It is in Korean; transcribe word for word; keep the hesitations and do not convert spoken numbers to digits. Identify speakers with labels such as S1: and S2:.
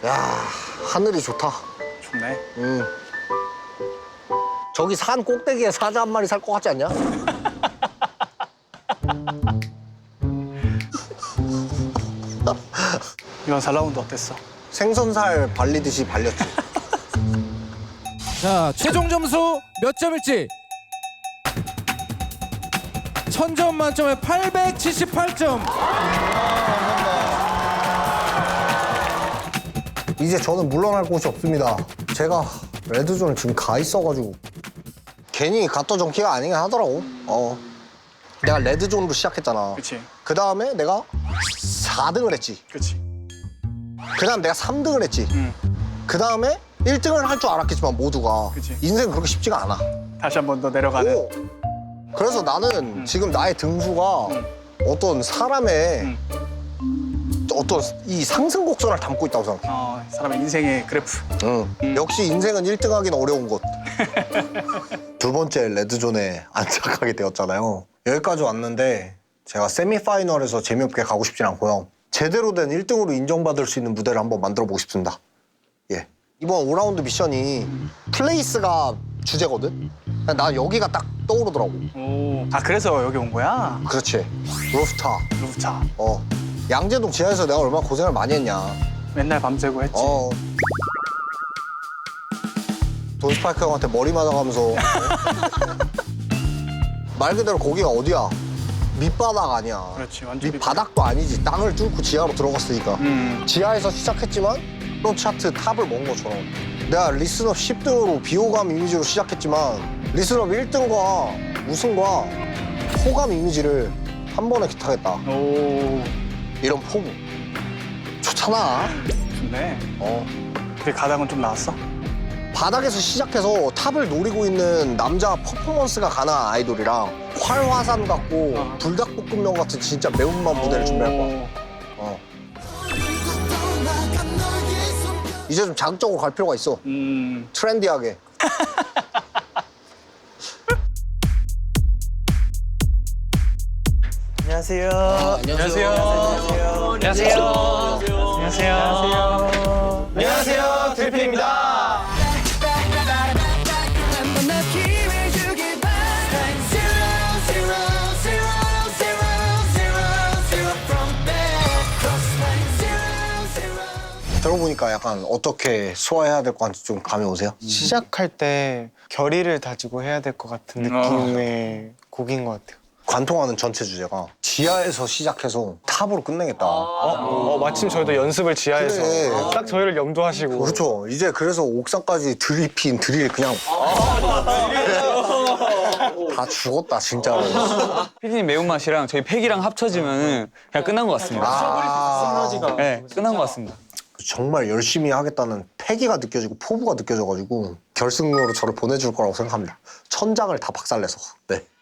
S1: 야, 하늘이 좋다.
S2: 좋네.
S1: 음. 저기 산 꼭대기에 사자 한 마리 살 것 같지 않냐?
S2: 이번 사 라운드 어땠어?
S1: 생선살 발리듯이 발렸지.
S3: 자, 최종 점수 몇 점일지? 천 점 만점에 팔백칠십팔 점.
S1: 이제 저는 물러날 곳이 없습니다. 제가 레드존에 지금 가 있어가지고 괜히 갓도 정키가 아니긴 하더라고. 어. 내가 레드존으로 시작했잖아.
S2: 그치.
S1: 그 다음에 내가 사 등을 했지.
S2: 그치.
S1: 그 다음 내가 삼 등을 했지.
S2: 응.
S1: 그 다음에 일 등을 할 줄 알았겠지만 모두가.
S2: 그치.
S1: 인생 그렇게 쉽지가 않아.
S2: 다시 한 번 더 내려가는.
S1: 오. 그래서 나는
S2: 음.
S1: 지금 나의 등수가
S2: 음.
S1: 어떤 사람의
S2: 음.
S1: 어떤 이 상승 곡선을 담고 있다고 생각해.
S2: 어, 사람의 인생의 그래프.
S1: 응.
S2: 음.
S1: 역시 인생은 일 등 하긴 어려운 것. 두 번째 레드존에 안착하게 되었잖아요. 여기까지 왔는데 제가 세미파이널에서 재미없게 가고 싶진 않고요. 제대로 된 일 등으로 인정받을 수 있는 무대를 한번 만들어 보고 싶습니다. 예. 이번 오 라운드 미션이 플레이스가 주제거든? 나 여기가 딱 떠오르더라고.
S2: 오. 아, 그래서 여기 온 거야?
S1: 그렇지. 루프탑.
S2: 루프탑.
S1: 어. 양재동 지하에서 내가 얼마나 고생을 많이 했냐.
S2: 맨날 밤새고 했지.
S1: 어. 돈스파이크 형한테 머리 맞아가면서. 말 그대로 거기가 어디야? 밑바닥 아니야.
S2: 그렇지, 완전
S1: 밑바닥도 아니지. 땅을 뚫고 지하로 들어갔으니까.
S2: 음.
S1: 지하에서 시작했지만 이런 차트 탑을 먹은 것처럼. 내가 리스너 십 등으로 비호감 이미지로 시작했지만 리스너 일 등과 우승과 호감 이미지를 한 번에 기타겠다.
S2: 오.
S1: 이런 포부. 좋잖아.
S2: 좋네.
S1: 어.
S2: 근데 가닥은 좀 나왔어?
S1: 바닥에서 시작해서 탑을 노리고 있는 남자 퍼포먼스가 가능한 아이돌이랑 활화산 같고
S2: 어.
S1: 불닭볶음면 같은 진짜 매운맛 무대를 준비할 거야. 어. 이제 좀 자극적으로 갈 필요가 있어.
S2: 음.
S1: 트렌디하게.
S2: 안녕하세요. 안녕하세요. 안녕하세요. 안녕하세요. 안녕하세요. 안녕하세요. 드리핀입니다.
S1: 들어보니까 약간 어떻게 소화해야 될 것 같은지 좀 감이 오세요?
S4: 시작할 때 결의를 다지고 해야 될 것 같은 느낌의 곡인 것 같아요.
S1: 관통하는 전체 주제가 지하에서 시작해서 탑으로 끝내겠다.
S4: 어, 마침 저희도 연습을 지하에서
S1: 그래.
S4: 딱 저희를 염두하시고
S1: 그렇죠. 이제 그래서 옥상까지 드리핀 드릴 그냥 다 죽었다 진짜로.
S5: 피디님 매운맛이랑 저희 팩이랑 합쳐지면 그냥 끝난 것 같습니다.
S1: 아,
S5: 네, 끝난 것 같습니다.
S1: 정말 열심히 하겠다는 패기가 느껴지고 포부가 느껴져가지고 결승으로 저를 보내줄 거라고 생각합니다. 천장을 다 박살내서. 네.